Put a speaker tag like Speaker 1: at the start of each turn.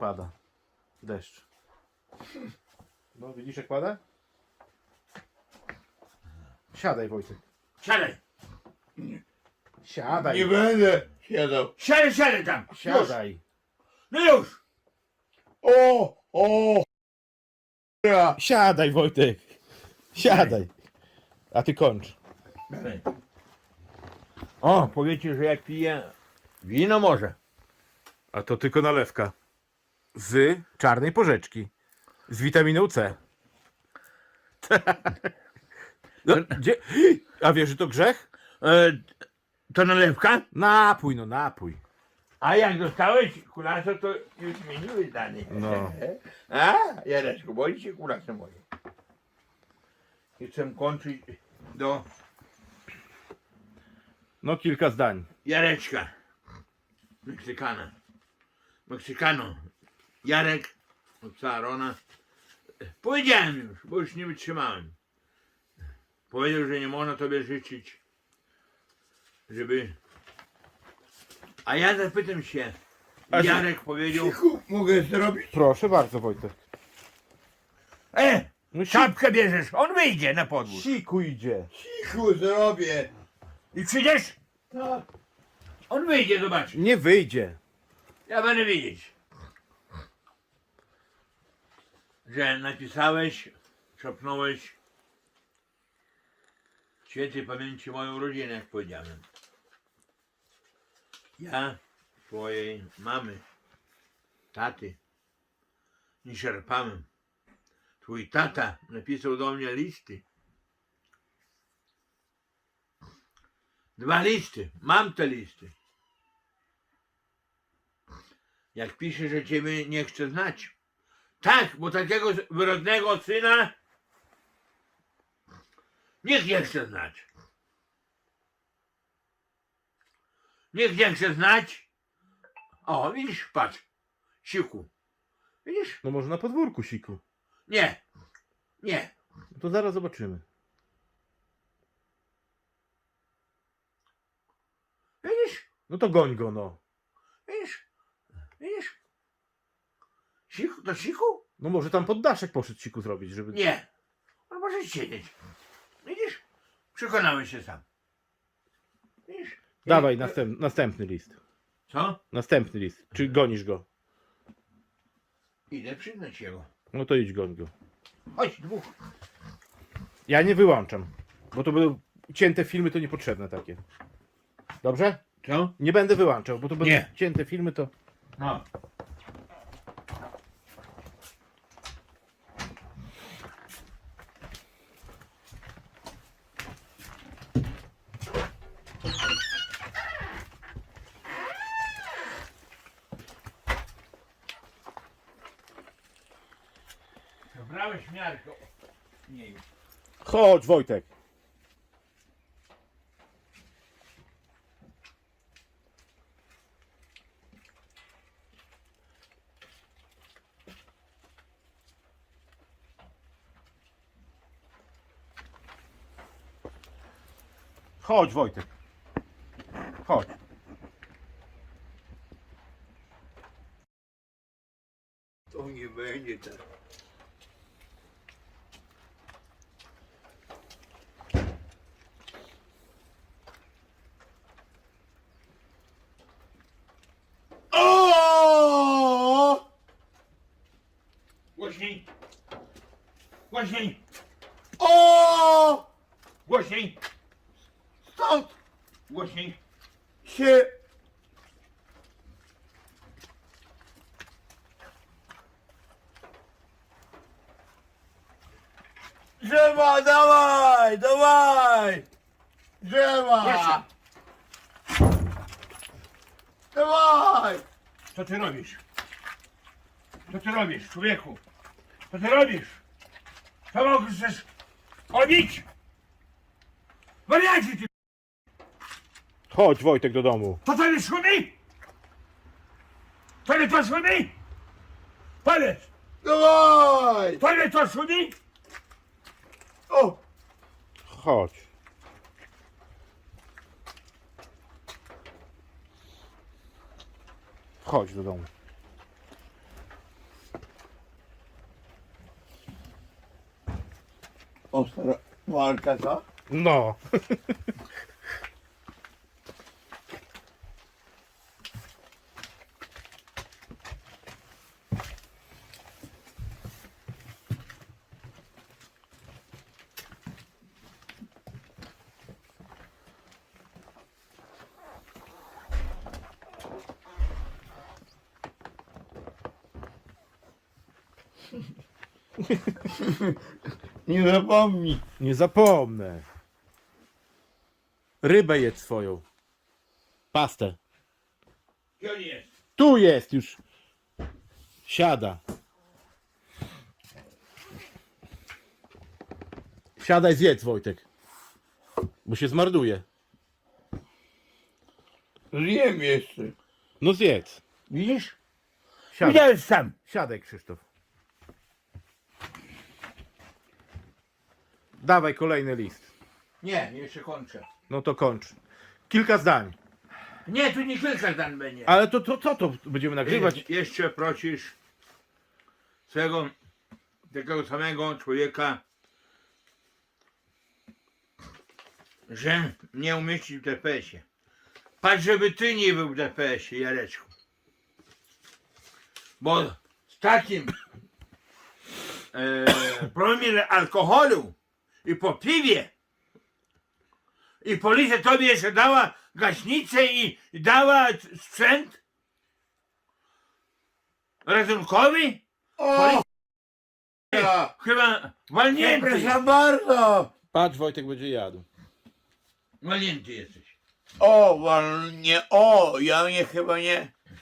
Speaker 1: pada. Deszcz. No widzisz jak pada? Siadaj Wojtek.
Speaker 2: Siadaj.
Speaker 1: Siadaj.
Speaker 3: Nie będę siadał.
Speaker 2: Siadaj tam.
Speaker 1: Siadaj.
Speaker 2: No już.
Speaker 3: O! Ja.
Speaker 1: Siadaj Wojtek. Siadaj. A ty kończ.
Speaker 2: O, powiecie, że jak piję wino może.
Speaker 1: A to tylko nalewka. Z czarnej porzeczki. Z witaminą C. No, gdzie? A wiesz, że to grzech?
Speaker 2: To nalewka?
Speaker 1: Napój, no napój.
Speaker 2: A jak dostałeś kulaso, to już zmieniły zdanie.
Speaker 1: No.
Speaker 2: A, Jareczku, boi się kulaso moje. I chcę kończyć do
Speaker 1: No kilka zdań.
Speaker 2: Jareczka. Meksykana. Meksykano. Jarek od psa Arona. Powiedziałem już, bo już nie wytrzymałem. Powiedział, że nie można tobie życzyć, żeby... A ja zapytam się. Jarek powiedział...
Speaker 3: Cichu, mogę zrobić?
Speaker 1: Proszę bardzo Wojtek. No
Speaker 2: Czapkę bierzesz, on wyjdzie na podwórz.
Speaker 1: siku idzie.
Speaker 3: Cichu zrobię.
Speaker 2: I przyjdziesz?
Speaker 3: Tak.
Speaker 2: On wyjdzie, zobacz.
Speaker 1: Nie wyjdzie.
Speaker 2: Ja będę wiedzieć, że napisałeś, szepnąłeś w świętej pamięci moją rodzinę, jak powiedziałem. Ja twojej mamy, taty nie czerpałem. Twój tata napisał do mnie listy. 2 listy. Mam te listy. Jak pisze, że ciebie nie chce znać. Tak, bo takiego wyrodnego syna nikt nie chce znać. Nikt nie chce znać. O, widzisz, patrz. Siku. Widzisz?
Speaker 1: No może na podwórku siku.
Speaker 2: Nie. Nie.
Speaker 1: No to zaraz zobaczymy.
Speaker 2: Widzisz?
Speaker 1: No to goń go no.
Speaker 2: Widzisz? Widzisz? Siku? To siku?
Speaker 1: No może tam pod daszek poszedł siku zrobić, żeby...
Speaker 2: Nie. On może siedzieć. Widzisz? Przekonałem się sam. Widzisz?
Speaker 1: Dawaj następny list.
Speaker 2: Co?
Speaker 1: Następny list. Czy gonisz go?
Speaker 2: Idę przyznać jego.
Speaker 1: No to idź goń go.
Speaker 2: Chodź, 2.
Speaker 1: Ja nie wyłączam. Bo to będą cięte filmy, to niepotrzebne takie. Dobrze?
Speaker 2: Co?
Speaker 1: Nie będę wyłączał, bo to będą
Speaker 2: Nie.
Speaker 1: cięte filmy, to...
Speaker 2: No. Zabrałeś miarkę. Nie już.
Speaker 1: Chodź Wojtek. Chodź Wojtek. Chodź.
Speaker 3: To nie będzie tak. O!
Speaker 2: Głośniej. Głośniej.
Speaker 3: O!
Speaker 2: Głośniej.
Speaker 3: Stąd
Speaker 2: Głośniej.
Speaker 3: się drzewa, dawaj, dawaj! Drzewa!
Speaker 2: Proszę.
Speaker 3: Dawaj!
Speaker 2: Co ty robisz? Co ty robisz, człowieku? Co ty robisz? Co możesz robić? Wariacie ty!
Speaker 1: Chodź Wojtek do domu.
Speaker 2: To tyle szumi? Tyle to szumi? Powiedz!
Speaker 3: Dawaj!
Speaker 2: Tyle to szumi?
Speaker 3: O!
Speaker 1: Chodź. Chodź do domu.
Speaker 3: Ostra walka, co?
Speaker 1: No.
Speaker 3: Nie zapomnij.
Speaker 1: Nie zapomnę. Rybę jedz swoją. Pastę.
Speaker 2: Gdzie on jest?
Speaker 1: Tu jest już. Siada. Siadaj, zjedz, Wojtek. Bo się zmarnuje.
Speaker 3: Zjem jeszcze.
Speaker 1: No zjedz.
Speaker 2: Widzisz?
Speaker 1: Siadaj,
Speaker 2: Widziałeś sam.
Speaker 1: siadaj, Krzysztof. Dawaj kolejny list.
Speaker 2: Nie, jeszcze kończę.
Speaker 1: No to kończ. Kilka zdań.
Speaker 2: Nie, tu nie kilka zdań będzie.
Speaker 1: Ale to co to będziemy nagrywać?
Speaker 2: Jeszcze prosisz swego takiego samego człowieka, że nie umieścić w DPS-ie. Patrz, żeby ty nie był w DPS-ie, Jareczku. Bo z takim promilem alkoholu i po piwie i policja tobie jeszcze dała gaśnicę i dała sprzęt ratunkowy?
Speaker 3: O! Ja.
Speaker 2: Chyba walnięty.
Speaker 3: Przepraszam bardzo.
Speaker 1: Patrz, Wojtek będzie jadł.
Speaker 2: Walnięty jesteś.
Speaker 3: O, nie, o, ja mnie chyba nie.